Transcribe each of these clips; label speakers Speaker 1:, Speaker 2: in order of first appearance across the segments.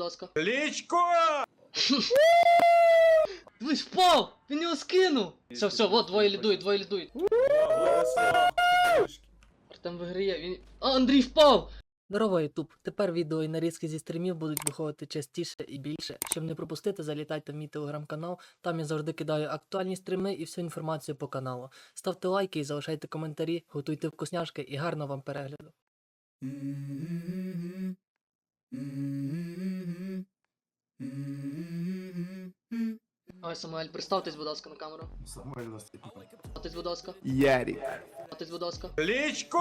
Speaker 1: ласка.
Speaker 2: Кличко!
Speaker 1: Дивись, впав! Він його скинув! Все, вот, двоє лідують. Артем виграє, він... А, Андрій впав! Здорово, Ютуб! Тепер відео і нарізки зі стрімів будуть виходити частіше і більше. Щоб не пропустити, залітайте в мій телеграм-канал, там я завжди кидаю актуальні стріми і всю інформацію по каналу. Ставте лайки і залишайте коментарі, готуйте вкусняшки і гарного вам перегляду. Ой, Самуель, представтесь, будь ласка, на камеру.
Speaker 3: Самуэль Ластитников.
Speaker 1: Представтесь, будь ласка.
Speaker 3: Ярик.
Speaker 1: Представтесь, будь ласка.
Speaker 2: Кличко!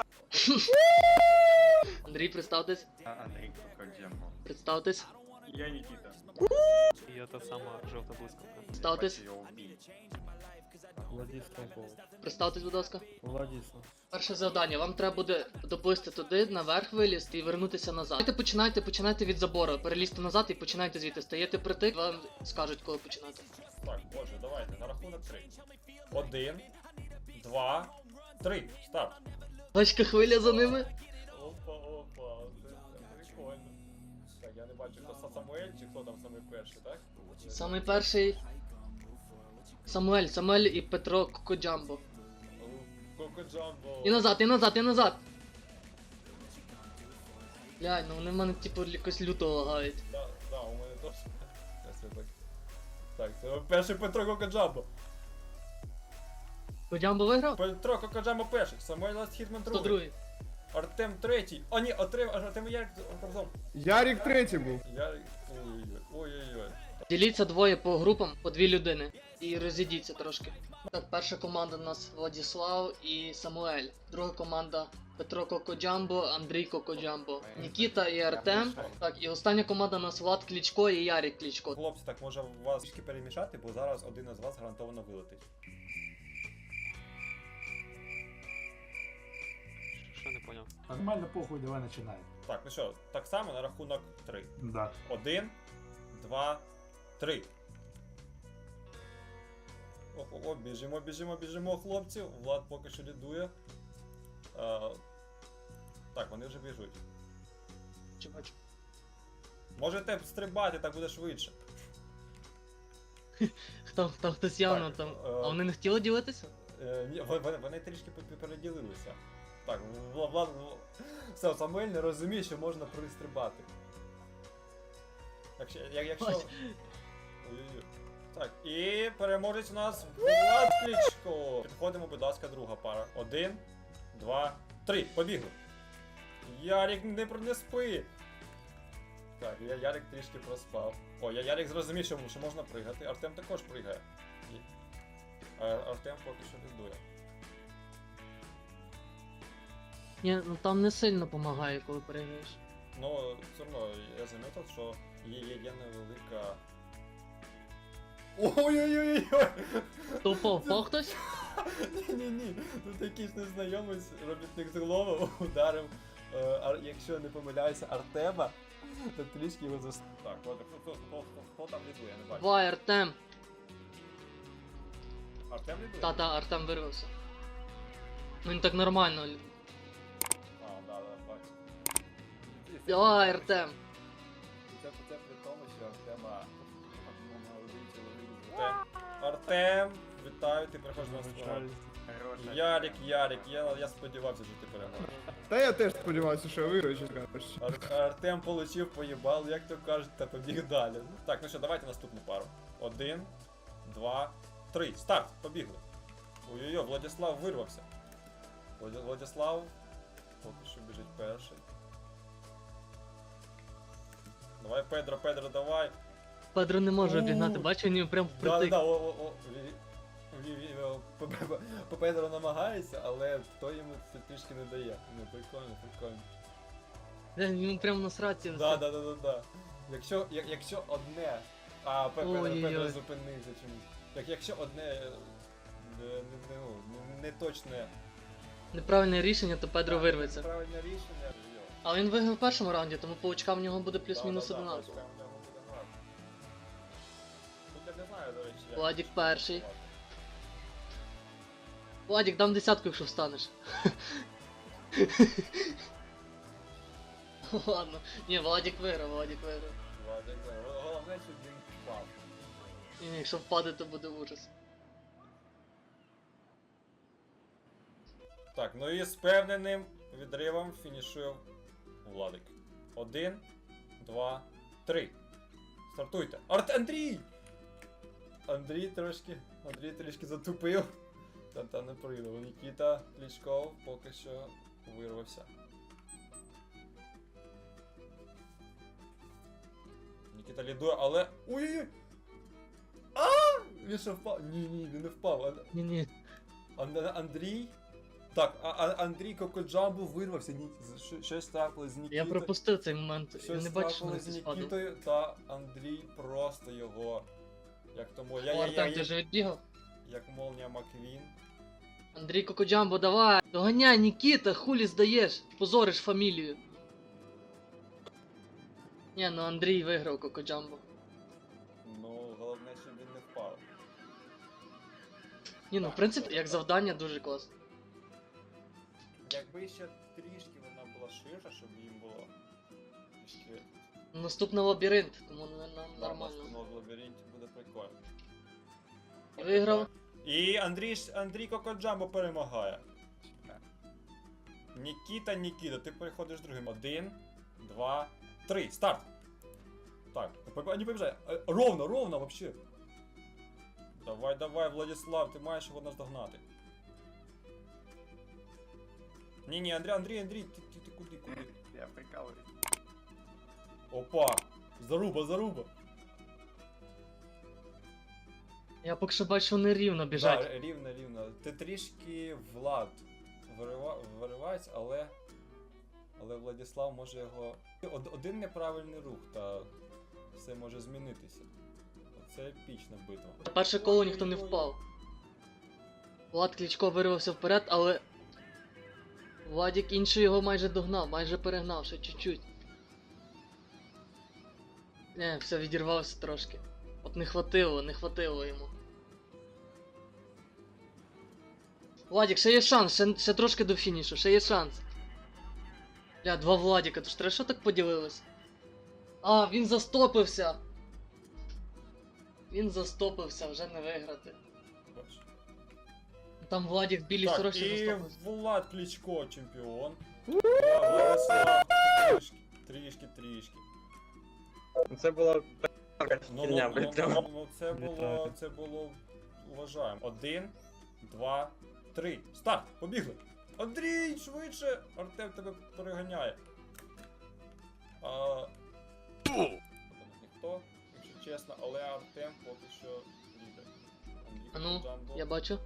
Speaker 1: Андрій, представтесь.
Speaker 2: Андрій Кокоджембо.
Speaker 1: Представтесь.
Speaker 2: Я Нікіта.
Speaker 4: І та сама жовта блискавка.
Speaker 1: Представтесь.
Speaker 4: Владислав Пол.
Speaker 1: Представтесь, будь ласка.
Speaker 4: Владислав.
Speaker 1: Перше завдання. Вам треба буде доплисти туди, наверх вилізти і вернутися назад. Починайте від забору. Перелізьте назад і починайте звідти. Стаєте притик, вам скажуть, коли починати.
Speaker 2: Так, боже, давайте, на рахунок 3. 1, 2, 3. Старт.
Speaker 1: Бачка хвиля за ними.
Speaker 2: Опа, це прикольно. Так, я не бачу, хто Самуель чи хто там самий перший, так?
Speaker 1: Самий перший. Самуель і Петро Кокоджамбо.
Speaker 2: Кокоджамбо.
Speaker 1: І назад. Блядь, ну вони в мене типу якось люто лагають.
Speaker 2: Да, у мене теж. Так, це перший Петро Кокоджамбо.
Speaker 1: Кокоджамбо виграв?
Speaker 2: Петро Кокоджамбо перший, Самуель Ласт Хітман другий.
Speaker 1: 102-й.
Speaker 2: Артем третій. О, ні, Артем і Ярик разом.
Speaker 3: Ярик третій був.
Speaker 2: Ярик. Ой-ой-ой.
Speaker 1: Діліться двоє по групам, по 2 людини. І розійдіться трошки. Так, перша команда у нас Владислав і Самуель. Друга команда Петро Кокоджамбо, Андрій Кокоджамбо, Нікіта і Артем. Так, і остання команда у нас Влад Кличко і Ярик Кличко.
Speaker 2: Хлопці, так може вас трішки перемішати, бо зараз один із вас гарантовано вилетить.
Speaker 4: Що не поняв?
Speaker 3: Нормально, похуй, давай починай.
Speaker 2: Так, ну що, так само на рахунок 3.
Speaker 3: Да.
Speaker 2: 1, 2, 3. О, біжимо, хлопці. Влад поки що лідує. Так, вони вже біжуть.
Speaker 1: Чи бачу?
Speaker 2: Можете стрибати, так буде швидше.
Speaker 1: Там хтось явно
Speaker 2: Так,
Speaker 1: там. А вони не хотіли ділитися?
Speaker 2: Ні, вони трішки переділилися. Так, Влад... Все, Самуель не розуміє, що можна пристрибати. Якщо... Ой-ой-ой. Так, і переможець у нас Влад Кличко. Підходимо, будь ласка, друга пара. 1, 2, 3. Побігли. Ярик, не спи. Так, Ярик трішки проспав. О, Ярик зрозумів, що можна пригати. Артем також пригає. Артем поки що лідує.
Speaker 1: Ні, ну там не сильно допомагає, коли переграєш.
Speaker 2: Ну, все одно, я замітив, що є невелика... Ой-ой-ой-ой!
Speaker 1: То впав хтось?
Speaker 2: Ні. Тут якийсь незнайомець, робітник з голови, ударив, якщо я не помиляюся, Артема, то трішки його застав. Так, хто там лідує, я не бачу.
Speaker 1: Давай, Артем.
Speaker 2: Артем лідує?
Speaker 1: Та, Артем вирвався. Ну він так нормально.
Speaker 2: Да, бачу.
Speaker 1: Давай, Артем.
Speaker 2: Це при тому, що Артема молодий чоловік. Артем, вітаю, ти приходиш на сцену. Ярик, я сподівався, що ти переможеш.
Speaker 3: Та я теж сподівався, що я виграю, чесно кажучи.
Speaker 2: Артем получив, поїбал, як то кажуть, та побіг далі. Так, ну що, давайте наступну пару. 1, 2, 3. Старт, побігли. Ой-ой-ой, Владислав вирвався. Владислав поки що біжить перший. Давай, Педро, давай.
Speaker 1: Педро не може обігнати, бачу, він прям впритик.
Speaker 2: Педро намагається, але хто йому це трішки не дає. Ну, прикольно.
Speaker 1: Він прям на сраці.
Speaker 2: Да. Якщо одне... А, Педро зупинився чомусь. Якщо одне... не точне...
Speaker 1: Неправильне рішення, то Педро вирветься.
Speaker 2: Неправильне рішення.
Speaker 1: Але він виграв в першому раунді, тому по очкам в нього буде плюс-мінус одинаково.
Speaker 2: Тут я не знаю, до речі.
Speaker 1: Владик перший. Владик, дам 10, якщо встанеш. Ладно. Ні, Владик виграв.
Speaker 2: Владик, головне, щоб він впав.
Speaker 1: І якщо впаде, то буде ужас.
Speaker 2: Так, ну і з певненим відривом фінішує Владик. 1, 2, 3. Стартуйте. Андрій! Андрій трішки затупив. Та не прийде. Нікіта Кличков поки що вирвався. Нікіта лідує, але... Ой-ой-ой! Він ще впав. Ні, він не впав.
Speaker 1: Ні-ні.
Speaker 2: Андрій? Так, Андрій Кокоджамбо вирвався. Щось трапилось з Нікітою.
Speaker 1: Я пропустив цей момент. Я
Speaker 2: Щось
Speaker 1: не бачу, що
Speaker 2: трапилось
Speaker 1: не
Speaker 2: з
Speaker 1: спадав.
Speaker 2: Нікітою, та Андрій просто його... Як тому...
Speaker 1: Артем, ти вже відбігав?
Speaker 2: Як молнія Маквін.
Speaker 1: Андрій Кокоджамбо, давай! Доганяй, Нікіта, хулі здаєш? Позориш фамілію. Ні, ну Андрій виграв Кокоджамбо.
Speaker 2: Ну, головне, щоб він не впав.
Speaker 1: Ні, ну в принципі, як завдання дуже класно.
Speaker 2: Якби ще трішки вона була ширша, щоб їм було трішки...
Speaker 1: Наступний лабіринт, тому нормально.
Speaker 2: Ну, в лабіринті буде прикольно.
Speaker 1: Виграв.
Speaker 2: І Андрій Кокоджамбо перемагає. Нікіта, ти переходиш другим. 1, 2, 3. Старт! Так, не побіжай. Ровно, вообще. Давай, Владислав, ти маєш його наздогнати. Ні, Андрій, ти куди?
Speaker 3: Я прикалую.
Speaker 2: Опа! Заруба!
Speaker 1: Я поки що бачу, що нерівно біжать.
Speaker 2: Так, рівно. Ти трішки Влад виривається, але Владислав може його... Один неправильний рух, та все може змінитися. Це епічна битва.
Speaker 1: На перше коло ніхто не впав. Влад Кличко вирвався вперед, але... Владик інший його майже догнав, майже перегнав, ще чуть-чуть. Не, все, відірвався трошки. От не хватило йому. Владик, ще є шанс, ще трошки до фінішу, ще є шанс. Бля, два Владіка, то ж треба що так поділилось? А, він застопився! Він застопився, вже не виграти.
Speaker 2: Бачиш.
Speaker 1: Там Владик в білій
Speaker 2: Так,
Speaker 1: сорочці
Speaker 2: і
Speaker 1: застопився.
Speaker 2: Влад Кличко чемпіон. Владислав трішки.
Speaker 5: Це була така
Speaker 2: Ну,
Speaker 5: херня, блядь.
Speaker 2: це було вважаємо. 1, 2, 3. Старт! Побігли! Андрій, швидше! Артем тебе переганяє. Ніхто, якщо чесно, але Артем поки що лідер.
Speaker 1: А ну,
Speaker 2: Кокоджамбо.
Speaker 1: я бачу.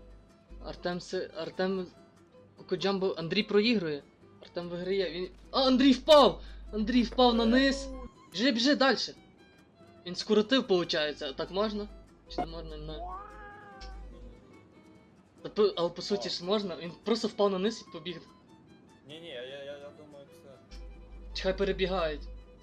Speaker 1: Артем Кокоджамбо, Андрій проігрує. Артем виграє, він... А, Андрій впав! Андрій впав на низ! Біжи далі! Він скоротив, виходить. Так можна? Чи не можна? Не. Але по суті ж можна, він просто впав на низ і побіг.
Speaker 2: Ні, я думаю, це...
Speaker 1: Чекай, перебігають.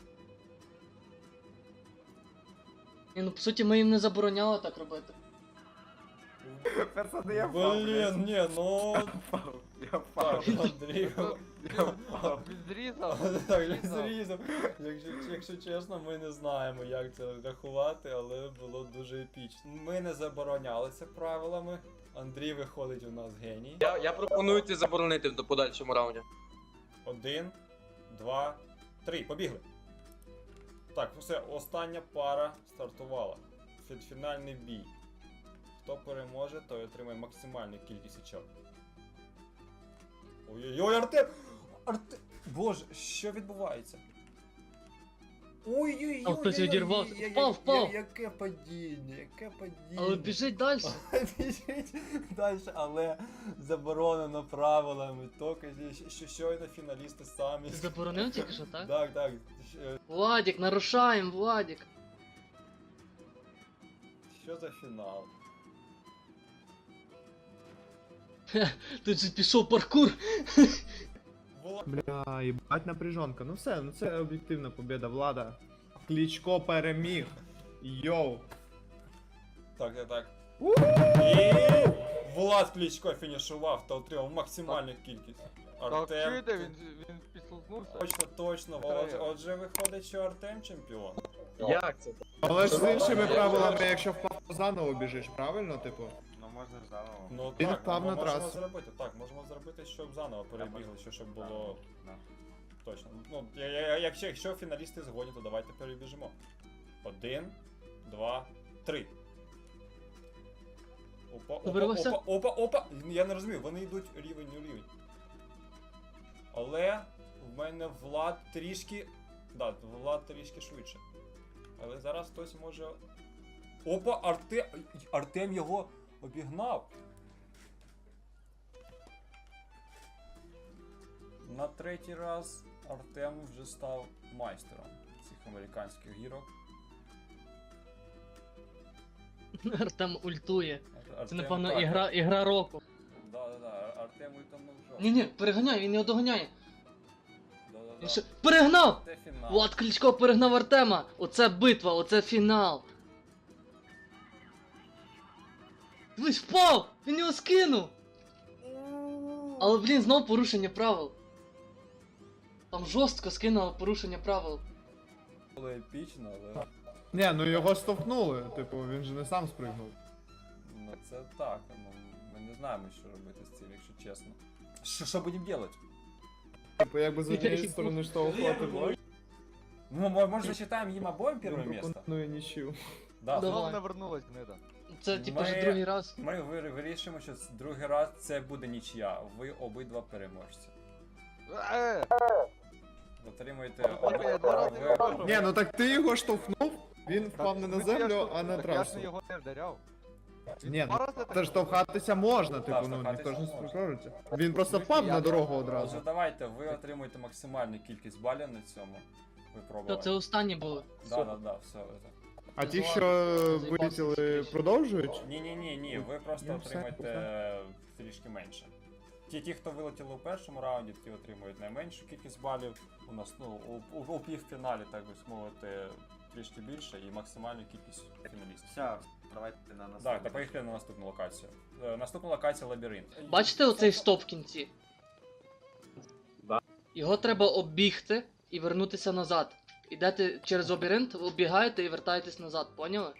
Speaker 1: Ні, ну по суті ми їм не забороняли так робити.
Speaker 3: Пацани, я впав.
Speaker 2: Блін, ні, ну...
Speaker 3: Я впав.
Speaker 2: Так, Андрій...
Speaker 3: Я впав.
Speaker 4: Відрізав.
Speaker 2: Так, я зрізав. Якщо чесно, ми не знаємо, як це рахувати, але було дуже епічно. Ми не заборонялися правилами. Андрій виходить у нас геній.
Speaker 5: Я пропоную це заборонити в подальшому раунді.
Speaker 2: 1, 2, 3. Побігли. Так, все, остання пара стартувала. Фінальний бій. Хто переможе, той отримає максимальну кількість очок. Ой-ой-ой, Артем! Боже, що відбувається? Ой-ой-ой!
Speaker 1: А хтось відірвався. Впав!
Speaker 2: Яке падіння.
Speaker 1: Але біжить далі.
Speaker 2: Біжить далі, але заборонено правилами. Тільки щойно фіналісти самі.
Speaker 1: Ти заборонив тільки що, так?
Speaker 2: Так.
Speaker 1: Владик, нарушаємо, Владик.
Speaker 2: Що за фінал?
Speaker 1: Тут же пішов паркур.
Speaker 3: Бля, їбать напряжонка. Ну все, ну це об'єктивна победа Влада. Кличко переміг. Йоу.
Speaker 2: Так. І Влад Кличко фінішував та отримав максимальну кількість.
Speaker 4: Так,
Speaker 2: Артем.
Speaker 4: чуєте, він
Speaker 6: проснувся.
Speaker 2: Точно. Отже, виходить, що Артем чемпіон.
Speaker 5: Як це?
Speaker 3: Але ж з іншими правилами, якщо впав, то заново біжиш, правильно, типу?
Speaker 6: Ну можна ж заново.
Speaker 2: Ну
Speaker 3: Він
Speaker 2: так,
Speaker 3: впав
Speaker 2: ми
Speaker 3: на
Speaker 2: можемо
Speaker 3: трасу.
Speaker 2: зробити. Так, можемо зробити, щоб заново перебігли, щоб було
Speaker 6: Да.
Speaker 2: точно. Ну, якщо фіналісти згодні, то давайте перебіжимо. 1, 2, 3.
Speaker 1: Вирвався?
Speaker 2: Опа. Я не розумію, вони йдуть рівень у рівень. Але в мене Влад трішки. Да, Влад трішки швидше. Але зараз хтось може. Опа, Артем його обігнав. На третій раз Артем вже став майстером цих американських гірок.
Speaker 1: Артем ультує. Це,
Speaker 2: Артем,
Speaker 1: напевно,
Speaker 2: так.
Speaker 1: ігра року.
Speaker 2: Да, Артем утонув жовт.
Speaker 1: Ні, переганяй, він його доганяє.
Speaker 2: Да.
Speaker 1: Він ще... Перегнав!
Speaker 2: Це фінал.
Speaker 1: Влад Кличко перегнав Артема! Оце битва, оце фінал! Дивись, впав! Він його скинув! Але, блін, знов порушення правил. Там жорстко скинуло порушення правил.
Speaker 2: Було епічно, але.
Speaker 3: Ні, ну його штовхнули, типу, він же не сам спригнув.
Speaker 2: Ну це так, ну ми не знаємо, що робити з цим, якщо чесно. Що будемо робити?
Speaker 3: Типу, якби з однієї сторони штовхувати бой,
Speaker 2: Ну, може засчитаємо їм обоим перше
Speaker 3: він
Speaker 2: місце?
Speaker 3: пропонує нічию.
Speaker 2: Да,
Speaker 1: Давай.
Speaker 6: Знову не вернулась гнида.
Speaker 1: Це, типу,
Speaker 2: Ми-
Speaker 1: вже другий раз.
Speaker 2: Ми вирішимо, що другий раз це буде нічия. Ви обидва переможці. Отримуєте
Speaker 6: Я два рази його виграв.
Speaker 3: Ні, ну так ти його штовхнув, він впав не на землю, а на
Speaker 6: Так я
Speaker 3: трасу.
Speaker 6: ж його не вдаряв.
Speaker 3: Ні,
Speaker 6: Два
Speaker 3: ну
Speaker 6: рази так
Speaker 3: це штовхатися можна, типу, ну
Speaker 2: штовхатися
Speaker 3: ніхто ж не
Speaker 2: можна.
Speaker 3: сприкожиться. Він просто впав на дорогу одразу.
Speaker 2: Отже, давайте, ви отримуєте максимальну кількість балів на цьому
Speaker 1: Що,
Speaker 2: випробуванні.
Speaker 1: це останні були.
Speaker 2: Да, все.
Speaker 3: А ті,
Speaker 1: Це
Speaker 3: що
Speaker 1: заїбався
Speaker 3: вилетіли,
Speaker 1: скоріше.
Speaker 3: продовжують?
Speaker 2: Ні, ви просто
Speaker 3: Ну, все,
Speaker 2: отримаєте трішки менше. Ті, хто вилетіли у першому раунді, ті отримують найменшу кількість балів. У нас, ну, у півфіналі, так би мовити, трішки більше і максимальну кількість фіналістів.
Speaker 6: Все, давайте на нас.
Speaker 2: Так, та поїхали на наступну локацію. Наступна локація лабіринт.
Speaker 1: Бачите оцей стоп в кінці?
Speaker 5: Да.
Speaker 1: Його треба оббігти і вернутися назад. Ідете через лабіринт, обігаєте і вертаєтесь назад, поняли?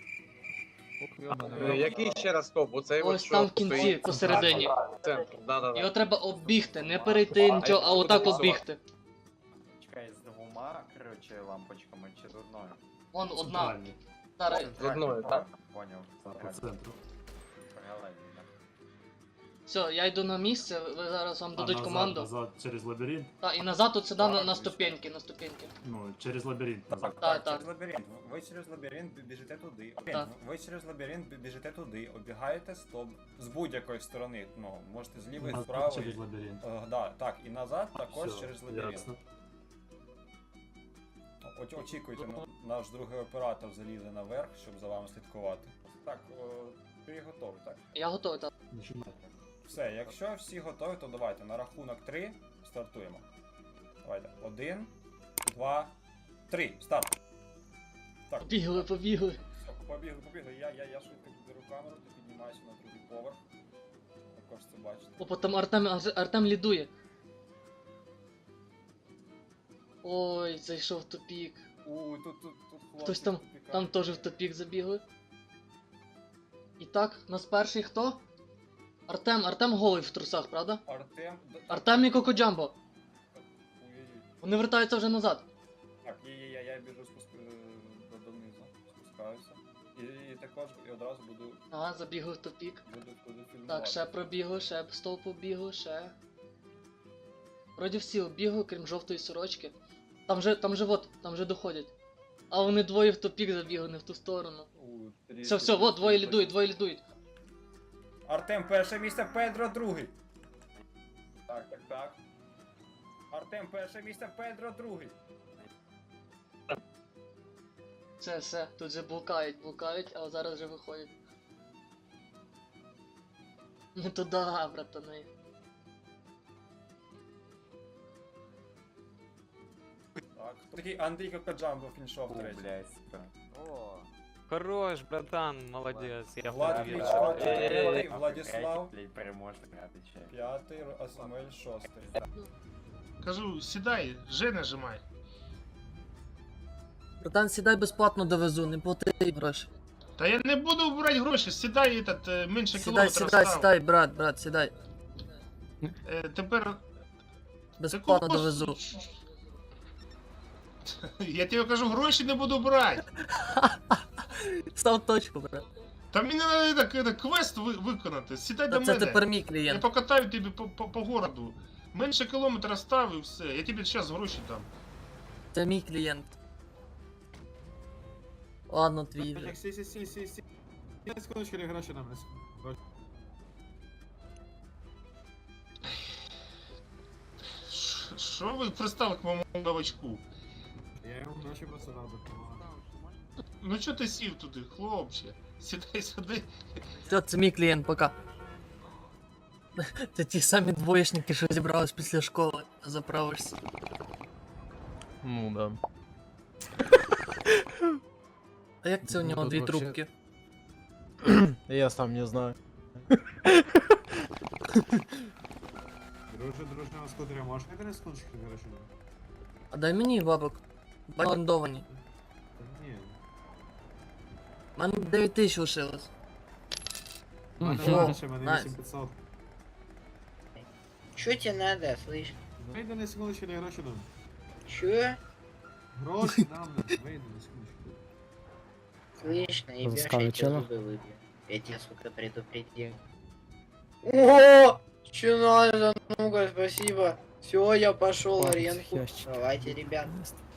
Speaker 5: Який ще раз стоп? Оцей от
Speaker 1: Ось
Speaker 5: що
Speaker 1: там в кінці,
Speaker 5: стоїть
Speaker 1: посередині.
Speaker 5: в центрі. Да.
Speaker 1: Його треба оббігти, не перейти нічого, а отак оббігти.
Speaker 6: Чекай, з двома, короче, лампочками чи з одною?
Speaker 1: Вон одна. Зараз.
Speaker 5: З одною, так?
Speaker 6: Поняв.
Speaker 7: По центру.
Speaker 6: Паралельно, так.
Speaker 1: Все, я йду на місце, ви зараз вам дадуть команду.
Speaker 7: Назад через лабіринт.
Speaker 1: Так, і назад от сюди на
Speaker 2: Так,
Speaker 1: ступеньки, на ступеньки.
Speaker 7: Ну, через лабіринт назад.
Speaker 1: Так.
Speaker 2: Через лабіринт. Ви через лабіринт біжите туди.
Speaker 1: Так.
Speaker 2: Ви через лабіринт біжите туди, обігаєте стоп з будь-якої сторони. Ну, можете з лівої, з
Speaker 7: Назад
Speaker 2: правої.
Speaker 7: через лабіринт.
Speaker 2: Да, так, і назад також
Speaker 7: Всё,
Speaker 2: через лабіринт.
Speaker 7: ясно.
Speaker 2: Очікуйте, наш другий оператор залізе наверх, щоб за вами слідкувати. Так, ти готовий, так?
Speaker 1: Я готовий, так.
Speaker 7: Нажимай.
Speaker 2: Все, якщо всі готові, то давайте на рахунок 3 стартуємо. Давайте. 1, 2, 3. Старт. Так.
Speaker 1: Побігли.
Speaker 2: Все, побігли. Я швидко беру камеру, ти піднімайся на другий поверх. Також це бачите.
Speaker 1: Опа, там Артем лідує. Ой, зайшов в тупік.
Speaker 2: Тут хлопці.
Speaker 1: Хтось там теж в тупік забігли. І так, нас перший хто? Артем голий в трусах, правда? Артем і Кокоджамбо.
Speaker 2: Ой-ой-ой.
Speaker 1: Вони вертаються вже назад.
Speaker 2: Так, я біжу донизу, спускаюся. І також і одразу буду
Speaker 1: Ага, забігли в тупік.
Speaker 2: фільмувати.
Speaker 1: Так, ще пробігли, ще стовп побігли, ще. Вроді всі обігли, крім жовтої сорочки. Там же доходять. А вони двоє в тупік забігли, не в ту сторону. Все, вот, двоє лідують.
Speaker 2: Артем перше місце, Педро другий. Так. Артем перше місце, Педро другий.
Speaker 1: Все, тут же блукають, а зараз вже виходять. Не туди, братани.
Speaker 2: Так, такий Андрій Кокоджамбо фіншов третій.
Speaker 6: Блядь, сука. О,
Speaker 4: Хорош, братан, молодец. Я
Speaker 2: Влад
Speaker 4: второй.
Speaker 2: Кличко четвертий, Владислав
Speaker 6: блядь, переможник, отвечаю.
Speaker 2: п'ятий, Асмель шостий.
Speaker 8: Кажу, сідай, Ж нажимай.
Speaker 1: Братан, сідай безплатно довезу, не плати гроші.
Speaker 8: Та я не буду брати гроші, сідай менше
Speaker 1: Сідай,
Speaker 8: кілометра
Speaker 1: сідай,
Speaker 8: став.
Speaker 1: сідай, брат, сідай.
Speaker 8: Тепер...
Speaker 1: Безплатно
Speaker 8: Такого-
Speaker 1: довезу.
Speaker 8: Я тобі кажу, гроші не буду брати.
Speaker 1: Став точку, брат.
Speaker 8: Та мені треба квест виконати. Сідай
Speaker 1: Та
Speaker 8: до
Speaker 1: це
Speaker 8: мене.
Speaker 1: тепер мій
Speaker 8: Я
Speaker 1: клієнт.
Speaker 8: покатаю тебе по городу. Менше кілометра став і все. Я тобі зараз гроші дам.
Speaker 1: Це мій клієнт. Ладно, твій вже.
Speaker 3: Сі. Я секундочку, не гроші нам.
Speaker 8: Що ви пристали к моєму новачку?
Speaker 3: Я йому гроші просто дав допомагати.
Speaker 8: Ну чого ти сів туди, хлопче? Сідай сюди.
Speaker 1: Все, це мій клієнт, пока. Це ті самі двоєчники, що зібрались після школи. Заправишся.
Speaker 9: Ну да.
Speaker 1: А як це у нього
Speaker 9: тут
Speaker 1: дві
Speaker 9: вообще-
Speaker 1: трубки?
Speaker 9: Я сам не знаю.
Speaker 3: Друже, на скутері, можеш мені на секундочку гроші дав?
Speaker 1: А дай мені бабок. Бандовані.
Speaker 3: Ні.
Speaker 1: У мене 9 тисяч лишилось.
Speaker 3: У мене
Speaker 1: О,
Speaker 3: менше, мене
Speaker 1: найс.
Speaker 3: 8500.
Speaker 10: Что тебе надо, слышь?
Speaker 3: Вийди на секундочку, не гроші дам.
Speaker 10: Чё?
Speaker 3: Гроші нам, вийди на секундочку.
Speaker 10: Слышь, наебёшь, я
Speaker 9: Ласкавый
Speaker 10: тебе
Speaker 9: чела.
Speaker 10: зубы выбью. Я тебя, сука, предупредил. О, что надо? Ну-ка, спасибо. Все, я пошел
Speaker 9: Хватит,
Speaker 10: аренку.
Speaker 9: ящики.
Speaker 10: Давайте, ребят.